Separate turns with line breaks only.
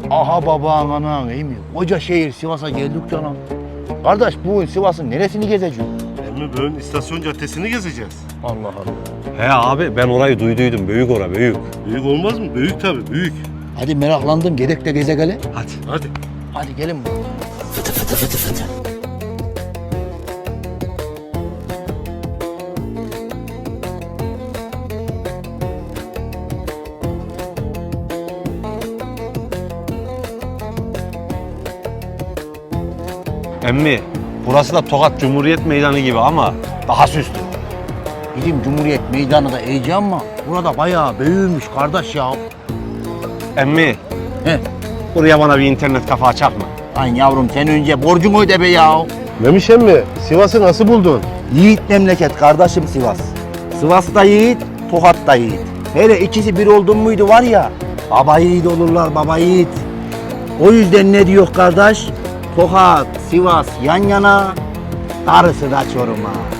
Aha babağın anan iyi mi? Koca şehir Sivas'a geldik canım. Kardeş bugün Sivas'ın neresini gezeceğiz?
Emmi bugün istasyon caddesini gezeceğiz.
Allah Allah.
He abi ben orayı duyduydum. Büyük ora büyük.
Büyük olmaz mı? Büyük tabii büyük.
Hadi meraklandım gerek de geze gele.
Hadi.
Hadi.
Hadi gelin. Fıtı fıtı fıtı fıtı.
Emmi burası da Tokat Cumhuriyet Meydanı gibi ama daha süslü.
Bizim Cumhuriyet Meydanı da heyecan ama burada bayağı büyümüş kardeş ya.
Emmi
He.
buraya bana bir internet kafe açak mı?
Lan yavrum sen önce borcunu öde be ya.
Memiş emmi Sivas'ı nasıl buldun?
Yiğit memleket kardeşim Sivas. Sivas'ta yiğit, Tokat'ta yiğit. Hele ikisi bir oldun muydu var ya, baba yiğit olurlar baba yiğit. O yüzden ne diyor kardeş? Tokat, Sivas yan yana, darısı da Çorum'a.